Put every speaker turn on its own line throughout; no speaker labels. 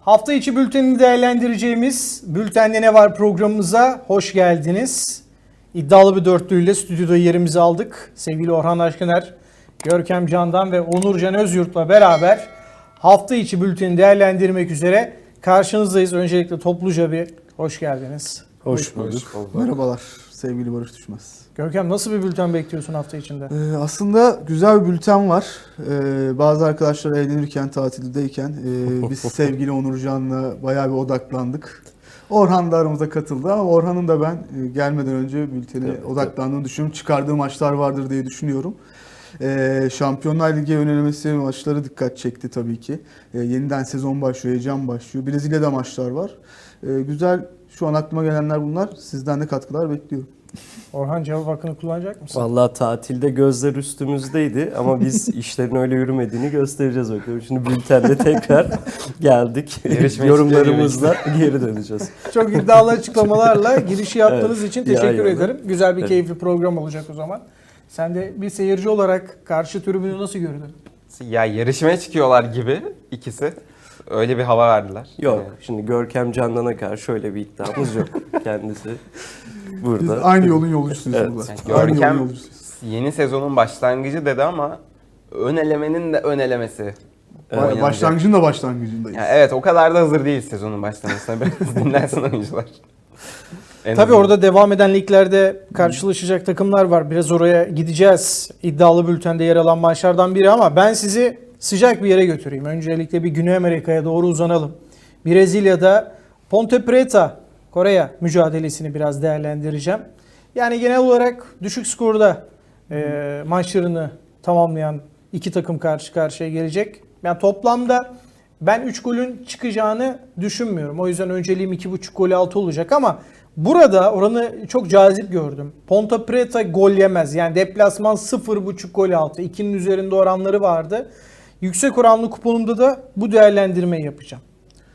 Hafta içi bültenini değerlendireceğimiz Bültende Ne Var programımıza hoş geldiniz. İddialı bir dörtlüyle stüdyoda yerimizi aldık. Sevgili Orhan Aşkıner, Görkem Candan ve Onurcan Özyurt'la beraber hafta içi bülteni değerlendirmek üzere karşınızdayız. Öncelikle topluca bir hoş geldiniz.
Hoş bulduk. Merhabalar sevgili Barış Düşmez.
Görkem, nasıl bir bülten bekliyorsun hafta içinde?
Aslında güzel bir bülten var. Bazı arkadaşlar eğlenirken, tatildeyken biz sevgili Onurcan'la bayağı bir odaklandık. Orhan da aramıza katıldı ama Orhan'ın da ben gelmeden önce bültene odaklandığını düşünüyorum. Çıkardığı maçlar vardır diye düşünüyorum. Şampiyonlar Ligi önelemesi maçları dikkat çekti tabii ki. Yeniden sezon başlıyor, heyecan başlıyor. Brezilya'da maçlar var. Güzel, şu an aklıma gelenler bunlar. Sizden de katkılar bekliyorum.
Orhan, cevap hakkını kullanacak mısın?
Vallahi tatilde gözler üstümüzdeydi ama biz işlerin öyle yürümediğini göstereceğiz bakalım. Şimdi bültende tekrar geldik. Yorumlarımızla geri döneceğiz.
Çok iddialı açıklamalarla girişi yaptığınız için teşekkür
Ya,
ederim. Güzel bir keyifli program olacak o zaman. Sen de bir seyirci olarak karşı tribünü nasıl gördün?
Ya yarışmaya çıkıyorlar gibi ikisi. Öyle bir hava verdiler.
Yok, şimdi Görkem Candan'a karşı öyle bir iddiamız yok. Kendisi
Biz
burada.
aynı yolun yolcusuyuz
Evet.
burada.
Yani
Aynı yolun
Görkem
yolcusuyuz.
yeni sezonun başlangıcı dedi ama ön elemenin de ön elemesi. oynanacak.
Başlangıcın da başlangıcındayız.
Yani evet, o kadar da hazır değil sezonun başlamasına. Biraz dinlensin oyuncular. En
Tabii
azından.
orada devam eden liglerde karşılaşacak takımlar var. Biraz oraya gideceğiz. İddialı bültende yer alan maçlardan biri ama ben sizi sıcak bir yere götüreyim. Öncelikle bir Güney Amerika'ya doğru uzanalım. Brezilya'da Ponte Preta Koreya mücadelesini biraz değerlendireceğim. Yani genel olarak düşük skorda maçlarını tamamlayan iki takım karşı karşıya gelecek. Yani toplamda ben 3 golün çıkacağını düşünmüyorum. O yüzden önceliğim 2.5 gol altı olacak ama burada oranı çok cazip gördüm. Ponte Preta gol yemez. Yani deplasman 0.5 gol altı. 2'nin üzerinde oranları vardı. Yüksek oranlı kuponumda da bu değerlendirmeyi yapacağım.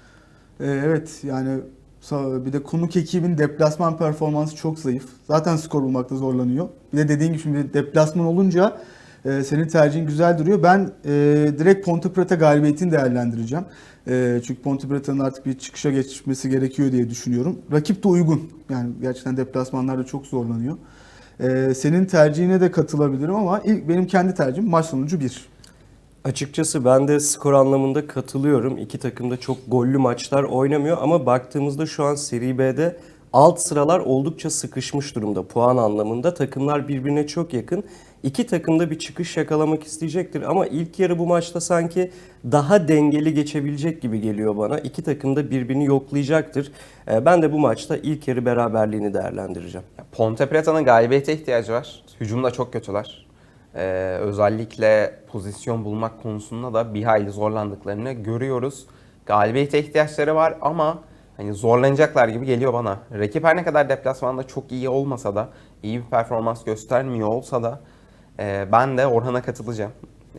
Evet, yani bir de konuk ekibin deplasman performansı çok zayıf. Zaten skor bulmakta zorlanıyor. Bir de dediğin gibi şimdi deplasman olunca senin tercihin güzel duruyor. Ben direkt Ponte Preta galibiyetini değerlendireceğim. Çünkü Ponte Preta'nın artık bir çıkışa geçmesi gerekiyor diye düşünüyorum. Rakip de uygun. Yani gerçekten deplasmanlarda çok zorlanıyor. Senin tercihine de katılabilirim ama ilk benim kendi tercihim maç sonucu 1.
Açıkçası ben de skor anlamında katılıyorum. İki takım da çok gollü maçlar oynamıyor ama baktığımızda şu an Seri B'de alt sıralar oldukça sıkışmış durumda puan anlamında. Takımlar birbirine çok yakın. İki takım da bir çıkış yakalamak isteyecektir ama ilk yarı bu maçta sanki daha dengeli geçebilecek gibi geliyor bana. İki takım da birbirini yoklayacaktır. Ben de bu maçta ilk yarı beraberliğini değerlendireceğim.
Ponte Preta'nın galibiyete ihtiyacı var. Hücumda çok kötüler. Özellikle pozisyon bulmak konusunda da bir hayli zorlandıklarını görüyoruz. Galibiyete ihtiyaçları var ama hani zorlanacaklar gibi geliyor bana. Rakip her ne kadar deplasmanda çok iyi olmasa da, iyi bir performans göstermiyor olsa da ben de Orhan'a katılacağım.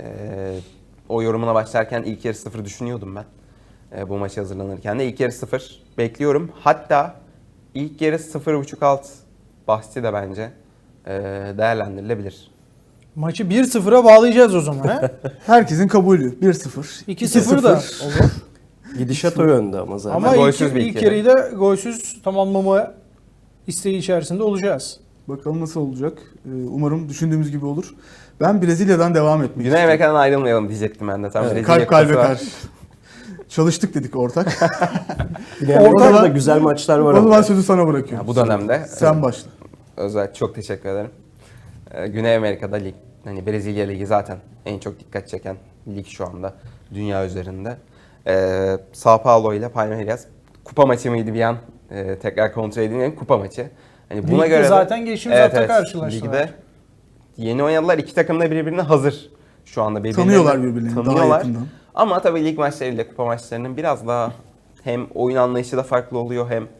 O yorumuna başlarken ilk yarı 0 düşünüyordum ben. Bu maçı hazırlanırken de ilk yarı 0 bekliyorum. Hatta ilk yarı 0.5 alt bahsi de bence değerlendirilebilir.
Maçı 1-0'a bağlayacağız o zaman. He?
Herkesin kabulü 1-0.
2-0 da olur.
Gidişat o yönde ama zaten.
Ama
golsüz bir
ilk
iki
yarıyı da golsüz tamamlama isteği içerisinde olacağız.
Bakalım nasıl olacak. Umarım düşündüğümüz gibi olur. Ben Brezilya'dan devam etmek
Güney
istiyorum.
Amerika'dan ayrılmayalım diyecektim ben de. Tam Brezilya
Kalp kalbe
kupası var.
karşı. Çalıştık dedik ortak.
Güney Amerika'da
Orada-
da güzel maçlar var
O zaman
ama.
sözü sana bırakıyorum.
Ya bu dönemde
Sen başla.
özel çok teşekkür ederim. Güney Amerika'da lig, hani Brezilya Ligi zaten en çok dikkat çeken lig şu anda dünya üzerinde. Sao Paulo ile Palmeiras kupa maçı mıydı bir an? Tekrar kontrol edeyim, kupa maçı. Hani buna
Ligde
göre de-
zaten geçtiğimiz hafta karşılaştılar.
Ligde yeni oynadılar. İki takım da birbirine hazır şu anda.
Tanıyorlar birbirlerini daha
Tanıyorlar.
yakından.
Ama tabii lig maçlarıyla kupa maçlarının biraz daha hem oyun anlayışı da farklı oluyor hem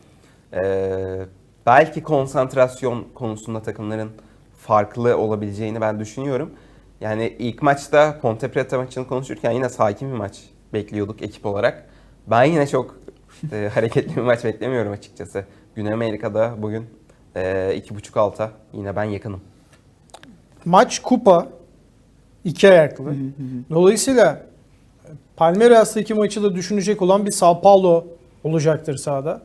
belki konsantrasyon konusunda takımların farklı olabileceğini ben düşünüyorum. Yani ilk maçta Ponte Preta maçını konuşurken yine sakin bir maç bekliyorduk ekip olarak. Ben yine çok hareketli bir maç beklemiyorum açıkçası. Güney Amerika'da bugün 2.5 alta yine ben yakınım.
Maç kupa, iki ayaklı. Dolayısıyla Palmeiras'taki maçı da düşünecek olan bir Sao Paulo olacaktır sahada.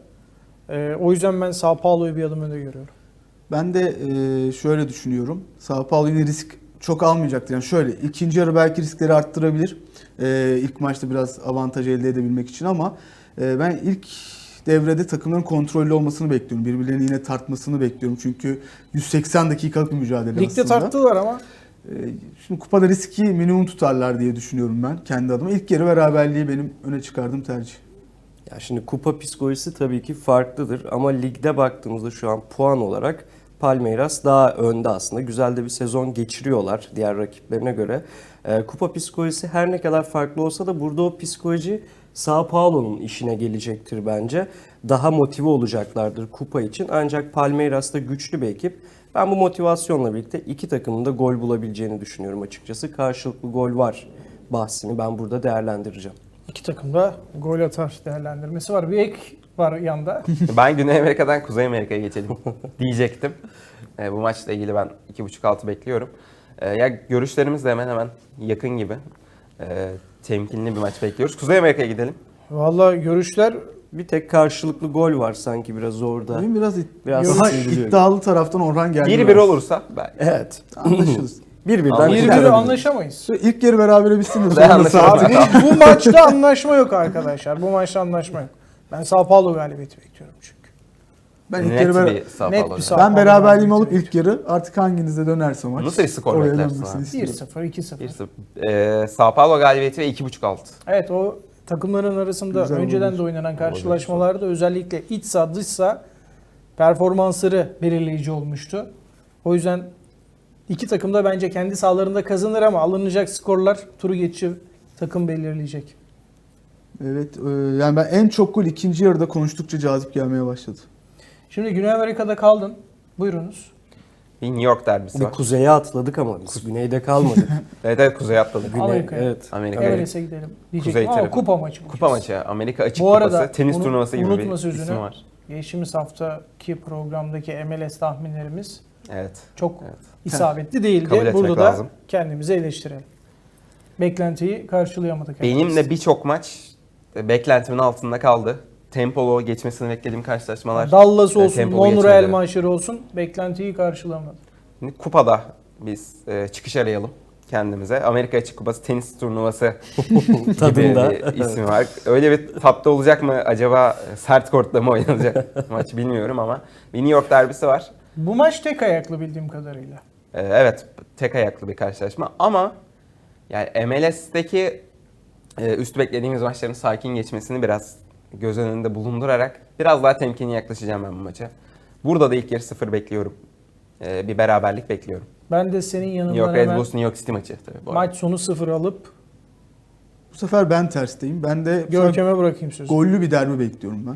O yüzden ben Sao Paulo'yu bir adım önde görüyorum.
Ben de şöyle düşünüyorum. Sao Paulo yine risk çok almayacaktır. Yani şöyle ikinci yarı belki riskleri arttırabilir. İlk maçta biraz avantaj elde edebilmek için ama ben ilk devrede takımların kontrollü olmasını bekliyorum. Birbirlerini yine tartmasını bekliyorum. Çünkü 180 dakikalık bir mücadele
Ligde
aslında.
tarttılar ama
Şimdi kupada riski minimum tutarlar diye düşünüyorum ben kendi adıma. İlk yarı beraberliği benim öne çıkardığım tercih.
Ya şimdi kupa psikolojisi tabii ki farklıdır ama ligde baktığımızda şu an puan olarak Palmeiras daha önde aslında. Güzel de bir sezon geçiriyorlar diğer rakiplerine göre. Kupa psikolojisi her ne kadar farklı olsa da burada o psikoloji Sao Paulo'nun işine gelecektir bence. Daha motive olacaklardır kupa için. Ancak Palmeiras da güçlü bir ekip. Ben bu motivasyonla birlikte iki takımın da gol bulabileceğini düşünüyorum açıkçası. Karşılıklı gol var bahsini ben burada değerlendireceğim.
iki takım da gol atar değerlendirmesi var. Bir ek var yanda.
Ben Güney Amerika'dan Kuzey Amerika'ya geçelim diyecektim. Bu maçla ilgili ben 2.5 altı bekliyorum. Ya görüşlerimiz de hemen hemen yakın gibi. Temkinli bir maç bekliyoruz. Kuzey Amerika'ya gidelim.
Vallahi görüşler
Bir tek karşılıklı gol var sanki biraz orada.
Benim biraz,
Biraz
daha
sıyrılıyor.
iddialı taraftan Orhan geldi.
1-1 olursa belki.
Evet.
Anlaşırız.
Birbirinden
Anlaşıldı.
birbiri
kurtarabiliriz.
anlaşamayız.
İlk yarı berabere bitsin de
Ben
sonrası
anlaşamadım.
artık.
Bu maçta anlaşma yok arkadaşlar. Bu maçta anlaşma yok. Ben Sao Paulo galibiyeti bekliyorum çünkü.
Ben ilk
Net
yarı
bir Sao
net
Paulo.
bir Sao-
ben beraberliğimi
Paulo
alıp ilk yarı artık hanginize dönerse maç.
Nasıl bir skor
oraya
beklersin
dönmesini
abi?
istiyorum.
1-0, 2-0.
Sao Paulo galibiyeti ve 2.5 alt.
Evet, o takımların arasında
Güzel
önceden
olur.
de oynanan karşılaşmalarda özellikle iç saha dış saha performansları belirleyici olmuştu. O yüzden iki takım da bence kendi sahalarında kazanır ama alınacak skorlar turu geçici takım belirleyecek.
Evet, yani ben en çok gol ikinci yarıda konuştukça cazip gelmeye başladı.
Şimdi Güney Amerika'da kaldın. Buyurunuz.
Bir New York derbisi
Bir
var.
kuzeye atladık ama biz güneyde kalmadık.
Evet kuzeye atladık.
Güney,
Amerika'ya.
evet.
Amerika'ya.
Everest'e gidelim diyecektim
Kuzey
ama
tarafı.
kupa maçı.
Kupa maçı. Amerika Açık
Bu arada
Kupası. Tenis turnuvası gibi
unutma
bir
sözünü.
isim var.
Geçtiğimiz haftaki programdaki MLS tahminlerimiz
Evet.
çok
Evet.
isabetli değildi.
Kabul etmek
Burada
lazım.
da kendimizi eleştirelim. Beklentiyi karşılayamadık.
Benimle birçok maç beklentimin altında kaldı. Tempolu geçmesini beklediğim karşılaşmalar.
Dallas olsun,
tempolu
Monreal
geçmedi.
maçları olsun beklentiyi karşılamadı.
Şimdi kupada biz çıkış arayalım kendimize. Amerika Açık Kupası tenis turnuvası gibi
Tadında.
bir ismi var. Öyle bir tatlı olacak mı acaba, sert kortta mı oynanacak maç bilmiyorum ama bir New York derbisi var.
Bu maç tek ayaklı bildiğim kadarıyla.
Evet, tek ayaklı bir karşılaşma ama yani MLS'teki üst beklediğimiz maçların sakin geçmesini biraz göz önünde bulundurarak biraz daha temkinli yaklaşacağım ben bu maça. Burada da ilk yarı 0 bekliyorum. Bir beraberlik bekliyorum.
Ben de senin
New
yanından
York Red
hemen
Bulls New York City maçı tabii bu arada.
maç sonu 0 alıp
Bu sefer ben tersteyim. Ben de bu sefer
Görkem'e bırakayım sözü.
gollü bir derbi bekliyorum ben.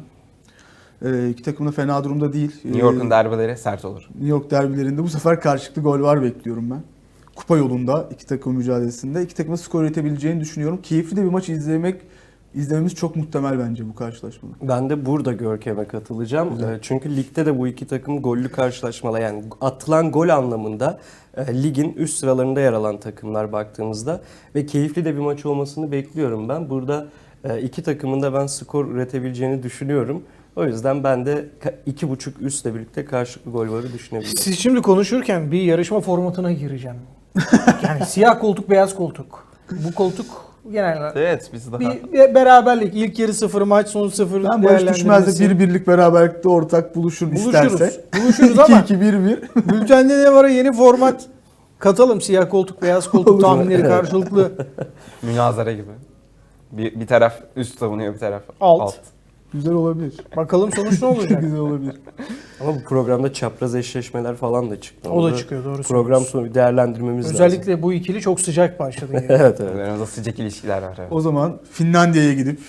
İki takım da fena durumda değil.
New York'un derbileri sert olur.
New York derbilerinde bu sefer karşılıklı gol var bekliyorum ben. Kupa yolunda iki takım mücadelesinde iki takımın skor üretebileceğini düşünüyorum. Keyifli de bir maç izlememiz çok muhtemel bence bu karşılaşmada.
Ben de burada Görkem'e katılacağım. Çünkü ligde de bu iki takım gollü karşılaşmalar, yani atılan gol anlamında ligin üst sıralarında yer alan takımlar baktığımızda ve keyifli de bir maç olmasını bekliyorum ben. Burada iki takımın da ben skor üretebileceğini düşünüyorum. O yüzden ben de 2.5 üstle birlikte karşılıklı gol varı düşünebilirim.
Siz şimdi konuşurken bir yarışma formatına gireceğim. Yani siyah koltuk, beyaz koltuk. Bu koltuk genelde
Evet, biz daha...
bir beraberlik. İlk yarı 0, maç sonu 0
Ben Barış Düşmez'de bir birlik beraberlikte ortak buluşur isterse.
Buluşuruz ama
2-2-1-1.
bültende ne var, yeni format katalım. Siyah koltuk, beyaz koltuk
Olur.
tahminleri karşılıklı.
Münazara gibi. Bir taraf üst savunuyor, bir taraf
Alt.
Güzel olabilir.
Bakalım sonuç ne olacak?
Güzel olabilir.
Ama bu programda çapraz eşleşmeler falan da çıktı.
O da
Onu
çıkıyor, doğru
Program
söylüyorsun.
sonu bir değerlendirmemiz lazım.
Özellikle bu ikili çok sıcak başladı. Yani.
Evet evet.
Aramızda sıcak ilişkiler var. Evet.
O zaman Finlandiya'ya gidip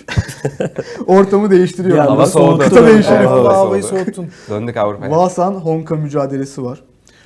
ortamı değiştiriyorum.
Ya,
Hava soğudu.
Kıta değişelim.
Hava
Allah havayı
soğudu.
soğuttun.
Döndük Avrupa'ya.
Vasan Honka mücadelesi var.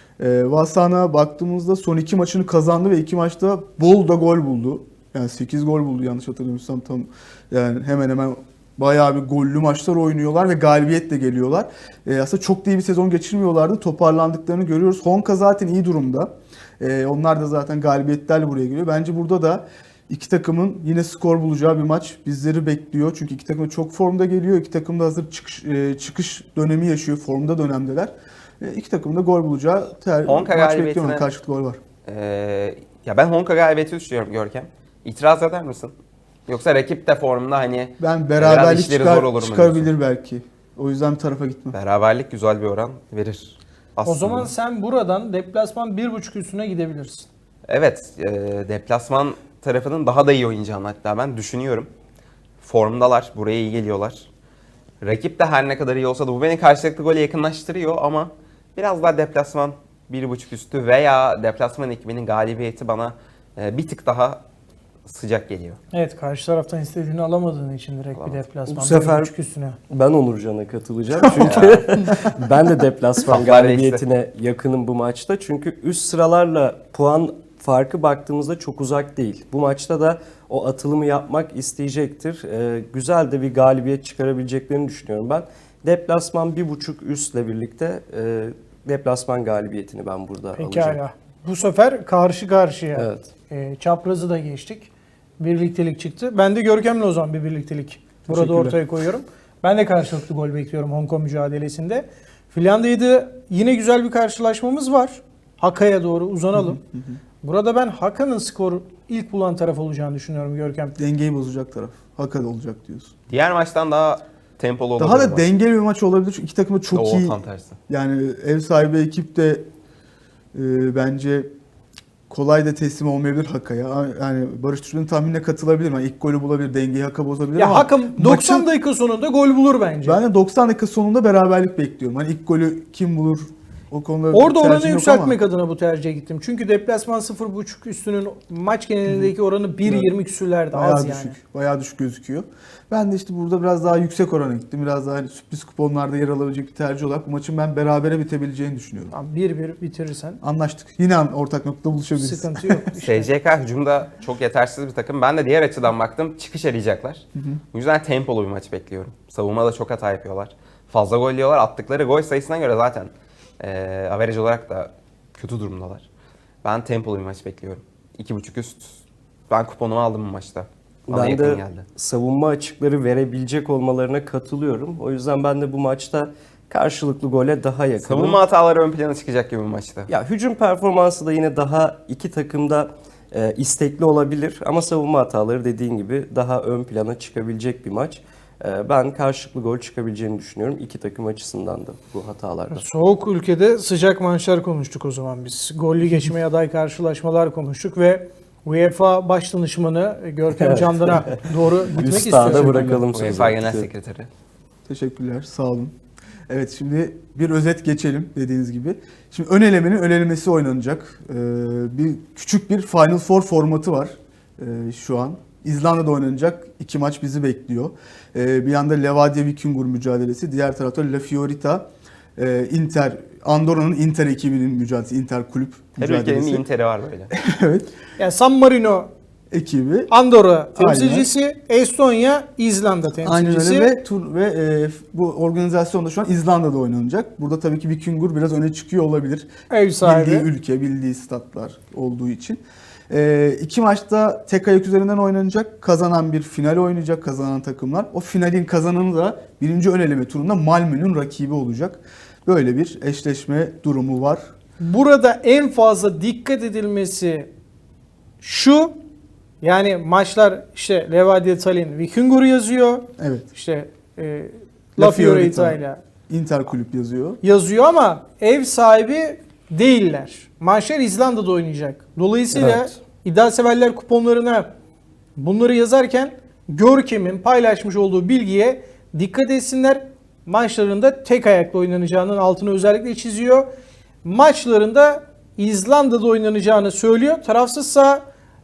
Vasan'a baktığımızda son 2 maçını kazandı ve 2 maçta bol da gol buldu. Yani 8 gol buldu yanlış hatırlamıyorsam, tam yani hemen hemen bayağı bir gollü maçlar oynuyorlar ve galibiyetle geliyorlar. Aslında çok da iyi bir sezon geçirmiyorlardı. Toparlandıklarını görüyoruz. Honka zaten iyi durumda. Onlar da zaten galibiyetlerle buraya geliyor. Bence burada da İki takımın yine skor bulacağı bir maç bizleri bekliyor. Çünkü iki takım da çok formda geliyor. İki takım da hazır çıkış dönemi yaşıyor. Formda dönemdeler. İki takım da gol bulacağı
Honka
maç
galibiyetine-
bekliyorum. Karşılıklı gol var.
Ya ben Honka galibiyeti düşünüyorum Görkem. İtiraz eder misin? Yoksa rakip de formda hani
Ben
biraz
beraberlik
işleri zor olur mu
çıkabilir
diyorsun?
belki. O yüzden bir tarafa gitmem.
Beraberlik güzel bir oran verir. Aslında.
O zaman sen buradan deplasman 1.5 üstüne gidebilirsin.
Evet, deplasman tarafının daha da iyi oynayacağını hatta ben düşünüyorum. Formdalar, buraya iyi geliyorlar. Rakip de her ne kadar iyi olsa da bu beni karşılıklı gole yakınlaştırıyor ama biraz daha deplasman 1.5 üstü veya deplasman ekibinin galibiyeti bana bir tık daha sıcak geliyor.
Evet, karşı taraftan istediğini alamadığın için direkt bir
Alamaz.
deplasman
Bu sefer-
1.5 üstüne.
Ben Onurcan'a katılacağım çünkü ben de deplasman
Saflar
galibiyetine yakınım bu maçta. Çünkü üst sıralarla puan farkı baktığımızda çok uzak değil. Bu maçta da o atılımı yapmak isteyecektir. Güzel de bir galibiyet çıkarabileceklerini düşünüyorum ben. Deplasman 1.5 üstle birlikte deplasman galibiyetini ben burada alacağım.
Pekala. Bu sefer karşı karşıya.
Evet.
Çaprazı da geçtik. Birliktelik çıktı. Ben de Görkem'le o zaman bir birliktelik burada
Teşekkürler.
ortaya koyuyorum. Ben de karşılıklı gol bekliyorum Hong Kong mücadelesinde. Finlandiya'da yine güzel bir karşılaşmamız var. Haka'ya doğru uzanalım. Burada ben Haka'nın skoru ilk bulan taraf olacağını düşünüyorum Görkem.
Dengeyi bozacak taraf. Hakikaten olacak diyorsun.
Diğer maçtan daha tempolu olabilir.
Daha da
bu.
dengeli bir maç olabilir. Çünkü iki takım da çok
Oo,
iyi.
tam tersi.
Yani ev sahibi ekip de bence kolay da teslim olmayabilir Haka'ya. Yani Barış Türkmen'in tahminine katılabilir. Yani ilk golü bulabilir, dengeyi Haka bozabilir
Ya
ama
Haka 90
maçın-
dakika sonunda gol bulur bence.
ben de 90 dakika sonunda beraberlik bekliyorum. Hani ilk golü kim bulur? O konuda bir
Orada oranı
tercihim yok
yükseltmek
ama
adına bu tercihe gittim. Çünkü deplasman 0.5 üstünün maç genelindeki oranı 1.20 küsürlerde
bayağı
az
düşük.
yani.
Bayağı düşük gözüküyor. Ben de işte burada biraz daha yüksek orana gittim. Biraz daha hani sürpriz kuponlarda yer alabilecek bir tercih olarak bu maçın ben berabere bitebileceğini düşünüyorum.
Tamam, 1-1 bitirirsen
Anlaştık. Yine ortak noktada buluşabiliriz.
sıkıntı yok. İşte.
SCK hücumda çok yetersiz bir takım. Ben de diğer açıdan baktım. Çıkış arayacaklar. Bu yüzden tempolu bir maç bekliyorum. Savunmada çok hata yapıyorlar. Fazla gol yiyorlar. Attıkları gol sayısına göre zaten average olarak da kötü durumdalar. Ben tempolu bir maç bekliyorum. 2.5 üst. Ben kuponumu aldım bu maçta. Bana
Ben
yakın
de
geldi.
savunma açıkları verebilecek olmalarına katılıyorum. O yüzden ben de bu maçta karşılıklı gole daha yakınım.
Savunma hataları ön plana çıkacak gibi bu maçta.
Ya hücum performansı da yine daha iki takımda istekli olabilir ama savunma hataları dediğin gibi daha ön plana çıkabilecek bir maç. Ben karşılıklı gol çıkabileceğini düşünüyorum iki takım açısından da bu hatalarda.
Soğuk ülkede sıcak maçlar konuştuk o zaman biz. Gollü geçmeye aday karşılaşmalar konuştuk ve UEFA baş danışmanı Görkem
Evet.
Candan'a doğru gitmek
Üstada
istiyorum.
bırakalım sözü.
UEFA Genel Sekreteri.
Teşekkürler, sağ olun. Evet, şimdi bir özet geçelim dediğiniz gibi. Şimdi ön elemenin ön elemesi oynanacak. Küçük bir Final Four formatı var şu an. İzlanda'da oynanacak 2 maç bizi bekliyor. Bir yanda Levadia Vikingur mücadelesi, diğer tarafta La Fiorita, Inter, Andorra'nın Inter ekibinin mücadelesi, Inter kulüp
Her ülkenin
mücadelesi.
bir Inter'i var böyle.
Evet,
Yani San Marino,
ekibi.
Andorra temsilcisi, Estonya, İzlanda
Aynen
temsilcisi.
öyle ve bu organizasyonda şu an İzlanda'da oynanacak. Burada tabii ki Vikingur biraz öne çıkıyor olabilir.
Ev sahibi.
Bildiği ülke, bildiği statlar olduğu için. 2 maçta tek ayak üzerinden oynanacak. Kazanan bir final oynayacak, kazanan takımlar. O finalin kazananı da birinci ön eleme turunda Malmö'nün rakibi olacak. Böyle bir eşleşme durumu var.
Burada en fazla dikkat edilmesi şu, yani maçlar işte Levadia Tallinn, Vikingur yazıyor.
Evet,
İşte
La
La
Fiorita.
Fiorita ile
Inter kulüp yazıyor.
yazıyor ama ev sahibi değiller. Maçlar İzlanda'da oynayacak. Dolayısıyla
Evet.
iddia severler kuponlarına bunları yazarken Görkem'in paylaşmış olduğu bilgiye dikkat etsinler. Maçlarında tek ayakla oynanacağının altını özellikle çiziyor. Maçlarında İzlanda'da oynanacağını söylüyor. Tarafsızsa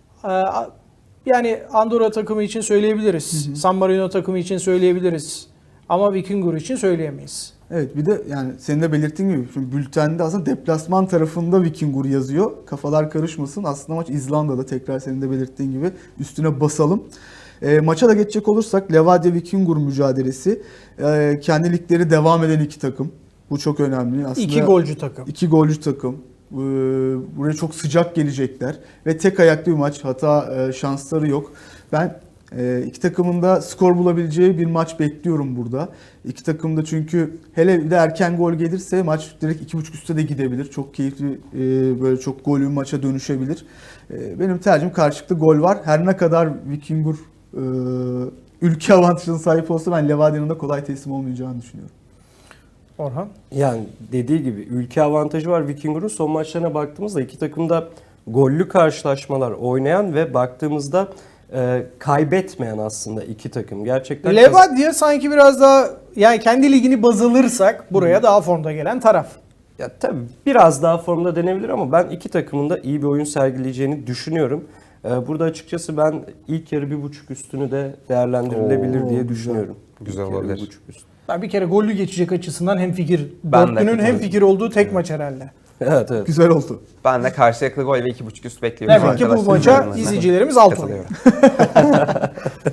yani Andorra takımı için söyleyebiliriz. San Marino takımı için söyleyebiliriz. Ama Vikingur için söyleyemeyiz.
Evet, bir de yani senin de belirttiğin gibi şimdi bültende aslında deplasman tarafında Vikingur yazıyor. Kafalar karışmasın. Aslında maç İzlanda'da, tekrar senin de belirttiğin gibi üstüne basalım. Maça da geçecek olursak Levadia Vikingur mücadelesi. Kendi ligleri devam eden iki takım. Bu çok önemli. Aslında
2 golcü takım.
2 golcü takım. Buraya çok sıcak gelecekler ve tek ayaklı bir maç. Hata şansları yok. Ben iki takımın da skor bulabileceği bir maç bekliyorum burada. İki takım da çünkü hele bir de erken gol gelirse maç direkt 2.5 üste de gidebilir. Çok keyifli böyle çok gollü bir maça dönüşebilir. Benim tercihim karşılıklı gol var. Her ne kadar Vikingur ülke avantajına sahip olsa ben Levadia'nın da kolay teslim olmayacağını düşünüyorum.
Orhan.
Yani dediği gibi ülke avantajı var Vikingur'un. Son maçlarına baktığımızda iki takım da gollü karşılaşmalar oynayan ve baktığımızda kaybetmeyen aslında iki takım. Gerçekten
Levadia sanki biraz daha, yani kendi ligini baz alırsak buraya daha formda gelen taraf.
Ya tabii biraz daha formda denebilir ama ben iki takımın da iyi bir oyun sergileyeceğini düşünüyorum. Burada açıkçası ben ilk yarı 1.5 üstünü de değerlendirilebilir diye düşünüyorum.
Güzel
İlk yarı
olabilir.
1.5 üstü.
Ben bir kere gollü geçecek açısından hemfikir.
Ben de
Dörtlünün
katılıyorum.
hemfikir olduğu tek maç herhalde.
Evet evet.
Güzel oldu.
Ben de karşılıklı gol ve 2.5 üst bekliyorum.
Demek ki bu
arkadaşlar.
maça
Yorumlarına
izleyicilerimiz alt oluyor.
katılıyorum.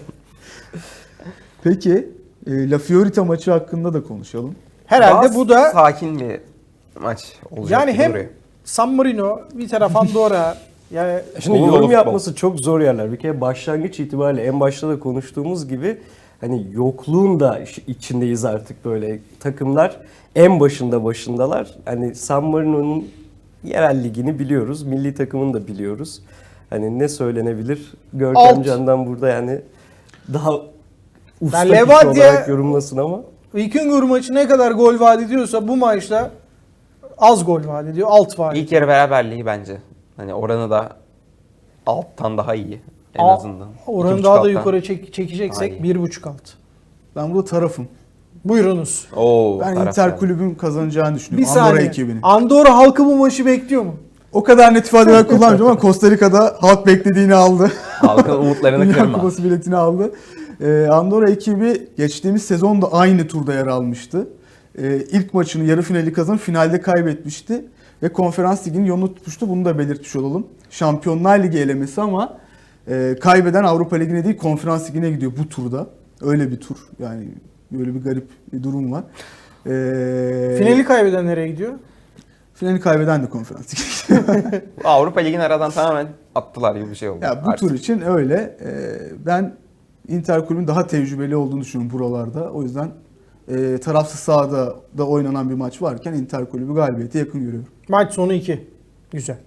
Peki La Fiorita maçı hakkında da konuşalım.
Herhalde
Daha
bu da
sakin bir maç olacak
yani
gibi
hem
duruyor.
San Marino, bir taraf Andorra. Yani
Şimdi
Dolu
yorum
futbol.
yapması çok zor yerler. Bir kere başlangıç itibariyle en başta da konuştuğumuz gibi hani yokluğun da içindeyiz artık böyle. Takımlar en başındalar. Hani San Marino'nun yerel ligini biliyoruz. Milli takımını da biliyoruz. Hani ne söylenebilir? Görkem
Alt.
Can'dan burada yani daha usta
Ben
kişi
Levadia-
olarak yorumlasın ama.
Vikingur maçı ne kadar gol vaat ediyorsa bu maçta az gol vaat ediyor, alt vaat ediyor.
İlk yarı beraberliği bence. Hani oranı da alttan daha iyi en
Aa,
azından.
Oranı
2.5
daha da
alttan.
yukarı çekeceksek
Ay.
1.5 alt.
Ben burada tarafım.
Buyurunuz.
Oo,
Ben
taraf
Inter
yani.
kulübün kazanacağını
Bir
düşünüyorum. Andorra
saniye.
ekibinin.
Andorra halkı bu maçı bekliyor mu?
O kadar net ifadeler kullanmayacağım ama Costa Rica'da halk beklediğini aldı.
Halkın umutlarını
Dünya
kırma.
Kupası biletini aldı. Andorra ekibi geçtiğimiz sezonda aynı turda yer almıştı. İlk maçını yarı finali kazanıp finalde kaybetmişti. Ve konferans liginin yolunu tutmuştu. Bunu da belirtmiş olalım. Şampiyonlar Ligi elemesi ama kaybeden Avrupa Ligi'ne değil konferans ligine gidiyor bu turda. Öyle bir tur. Yani böyle bir garip bir durum var.
Finali kaybeden nereye gidiyor?
Finali kaybeden de konferans ligine gidiyor.
Avrupa Ligi'ni aradan tamamen attılar gibi bir şey oldu.
Ya bu
artık.
tur için öyle. Ben Inter kulübün daha tecrübeli olduğunu düşünüyorum buralarda. O yüzden tarafsız sahada da oynanan bir maç varken Inter kulübü galibiyete yakın görüyorum.
Maç sonu 2. Güzel.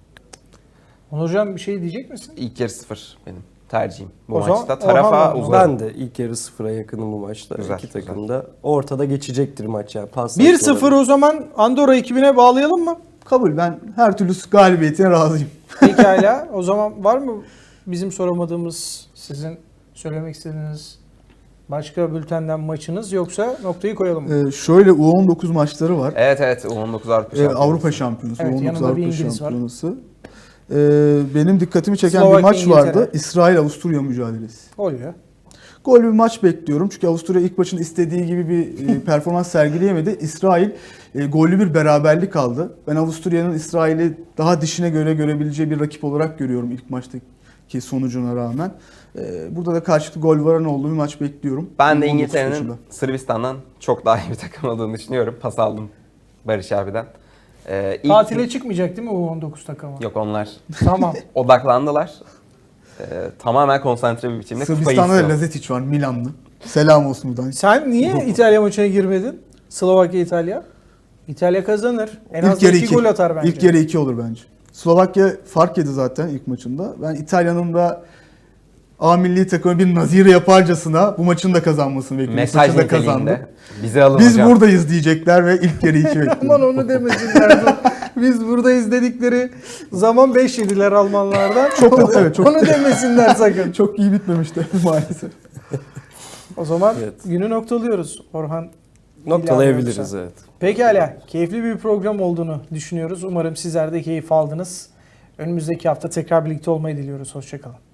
Onur Hocam bir şey diyecek misin?
İlk yarı 0 benim tercihim. Bu
O zaman
maçta tarafa
Orhan-
uzarım.
Ben de ilk yarı 0'a yakınım bu maçta.
Güzel,
İki
güzel.
takım da ortada geçecektir maç yani.
1-0 o zaman Andorra ekibine bağlayalım mı?
Kabul. Ben her türlü galibiyetine razıyım.
Pekala. O zaman var mı bizim soramadığımız, sizin söylemek istediğiniz başka bültenden maçınız, yoksa noktayı koyalım mı?
Şöyle U19 maçları var.
Evet evet U19 Avrupa Şampiyonası.
Avrupa Şampiyonası.
Evet,
U19
yanında bir
Avrupa
İngiliz var.
Şampiyonası. Benim dikkatimi çeken
Slovakya,
bir maç vardı.
İngiltere.
İsrail-Avusturya mücadelesi.
Oluyor.
Gol bir maç bekliyorum. Çünkü Avusturya ilk maçın istediği gibi bir performans sergileyemedi. İsrail gollü bir beraberlik aldı. Ben Avusturya'nın İsrail'i daha dişine göre görebileceği bir rakip olarak görüyorum ilk maçtaki sonucuna rağmen. Burada da karşılıklı gol varan olduğu bir maç bekliyorum.
Ben de
19
İngiltere'nin
maçında.
Sırbistan'dan çok daha iyi bir takım olduğunu düşünüyorum. Pas aldım Barış abiden.
Tatile çıkmayacak değil mi o 19 takımı?
Yok onlar
Tamam.
odaklandılar. Tamamen konsantre bir biçimde kupayı
Sırbistan'da da
istiyor.
Lazetic var, Milanlı. Selam olsun buradan.
Sen niye İtalya maçına girmedin? Slovakya İtalya. İtalya kazanır. En az
İlk yarı
2
2.
gol atar bence.
İlk yarı 2 olur bence. Slovakya fark yedi zaten ilk maçında. Ben İtalya'nın da A milli takımı bir nazire yaparcasına bu maçın da kazanmasını bekliyorum.
Mesaj
Maçı da kazandı.
niteliğinde. Bizi alın
Biz
hocam.
buradayız diyecekler ve ilk yarı 2 bekliyorum.
Aman onu demesinler. Biz buradayız dedikleri zaman 5 yediler Almanlardan.
Evet, çok-
Onu demesinler sakın.
Çok iyi bitmemişti maalesef.
O zaman
Evet.
günü noktalıyoruz. Orhan
Noktalayabiliriz
İlhan yoksa.
evet.
Pekala. Keyifli bir program olduğunu düşünüyoruz. Umarım sizler de keyif aldınız. Önümüzdeki hafta tekrar birlikte olmayı diliyoruz. Hoşçakalın.